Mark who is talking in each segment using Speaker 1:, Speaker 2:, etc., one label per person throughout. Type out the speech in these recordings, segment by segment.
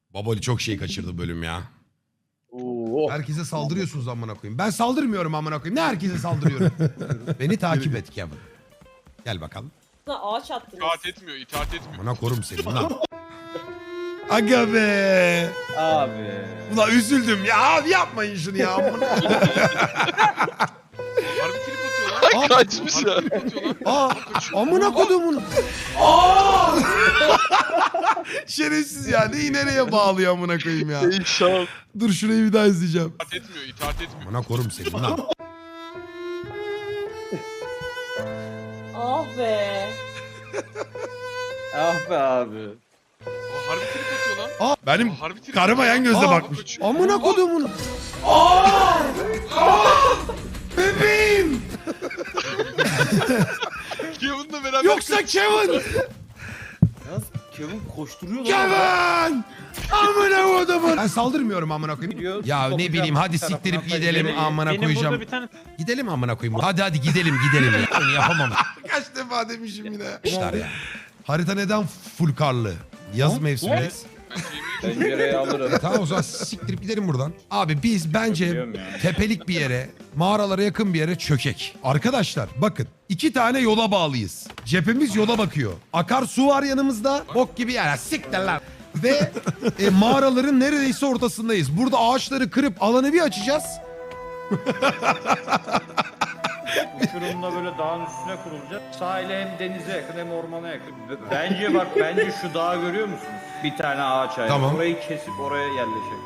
Speaker 1: Baboli çok şey kaçırdı bölüm ya.
Speaker 2: Oo.
Speaker 1: Herkese saldırıyorsunuz amına koyayım. Ben saldırmıyorum amına koyayım. Ne herkese saldırıyorum? Beni takip et Kevin. Gel bakalım.
Speaker 3: Ağaç attınız.
Speaker 4: İtaat etmiyor, itaat etmiyor.
Speaker 1: Amına korum seni lan. Aga be.
Speaker 2: Abi.
Speaker 1: Ulan üzüldüm ya. Abi yapmayın şunu ya. Amına.
Speaker 4: Harbi trip atıyor lan.
Speaker 5: Kaçmış ya.
Speaker 4: Harbi trip atıyor lan.
Speaker 1: Aa, amına kodumun. Aa! Şerefsiz ya. Neyi nereye bağlıyor amına koyayım ya.
Speaker 5: İnşallah.
Speaker 1: Dur şurayı bir daha izleyeceğim.
Speaker 4: İtaat etmiyor, itaat etmiyor.
Speaker 1: Amına korum seni lan.
Speaker 3: Ah be.
Speaker 2: Ah be abi.
Speaker 4: Aa, harbi trip atıyor lan.
Speaker 1: Aa, benim
Speaker 4: Aa, harbi trip
Speaker 1: karıma yan gözle
Speaker 4: Aa,
Speaker 1: bakmış.
Speaker 4: kaçıyor.
Speaker 1: Amına kodumun. Aa! Aa! Bebeğim.
Speaker 4: Kevin'le beraber
Speaker 1: Yoksa Kevin.
Speaker 2: Yalnız Kevin koşturuyor lan.
Speaker 1: Kevin! Amına kodumun. Ben saldırmıyorum amına koyayım.
Speaker 2: Gidiyor,
Speaker 1: Ya ne
Speaker 2: sokacağım
Speaker 1: bileyim hadi
Speaker 2: tarafından
Speaker 1: siktirip
Speaker 2: da
Speaker 1: gidelim
Speaker 2: ileriye.
Speaker 1: amına
Speaker 6: Benim
Speaker 1: koyacağım.
Speaker 6: burada bir tane
Speaker 1: Gidelim amına koyayım. Hadi gidelim ya. Onu yapamam. Kaç defa demişim yine. İşler ya. Harita neden full karlı? Yaz mevsimindeyiz.
Speaker 2: Pencereyi alırım.
Speaker 1: Tamam o zaman siktirip gidelim buradan. Abi biz bence
Speaker 2: Biliyorum ya.
Speaker 1: tepelik bir yere, mağaralara yakın bir yere çökek. Arkadaşlar bakın 2 tane yola bağlıyız. Cephemiz yola bakıyor. Akarsu var yanımızda. Bok gibi yer. Siktir lan. Ve mağaraların neredeyse ortasındayız. Burada ağaçları kırıp alanı bir açacağız.
Speaker 2: Uçurumda böyle dağın üstüne kurulacak. Sahile hem denize yakın hem ormana yakın. Bence şu dağı görüyor musunuz? Bir tane ağaç ayrı.
Speaker 1: Tamam.
Speaker 2: Orayı kesip oraya yerleşelim.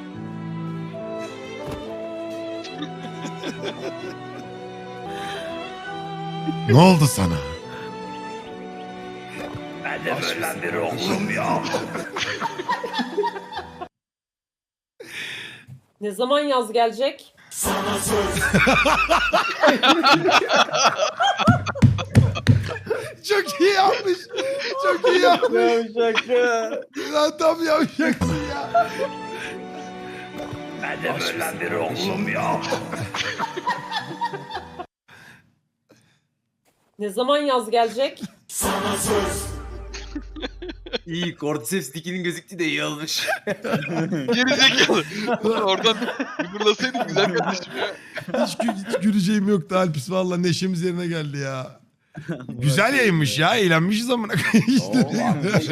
Speaker 1: Ne oldu sana?
Speaker 3: Ne zaman yaz gelecek?
Speaker 1: Çok iyi yapmış. Çok iyi yapmış.
Speaker 2: Yavşak ya.
Speaker 1: Lan tam yapacaksın ya.
Speaker 3: Ne zaman yaz gelecek?
Speaker 7: İyi, Cordyceps dikinin gözüktü de iyi olmuş.
Speaker 5: Geri zekalı. Lan oradan yumurlasaydın güzel kardeşim ya.
Speaker 1: Hiç güleceğim yoktu Alpis. Valla neşemiz yerine geldi ya. Güzel yayınmış ya. Eğlenmişiz amına koyayım. İşte.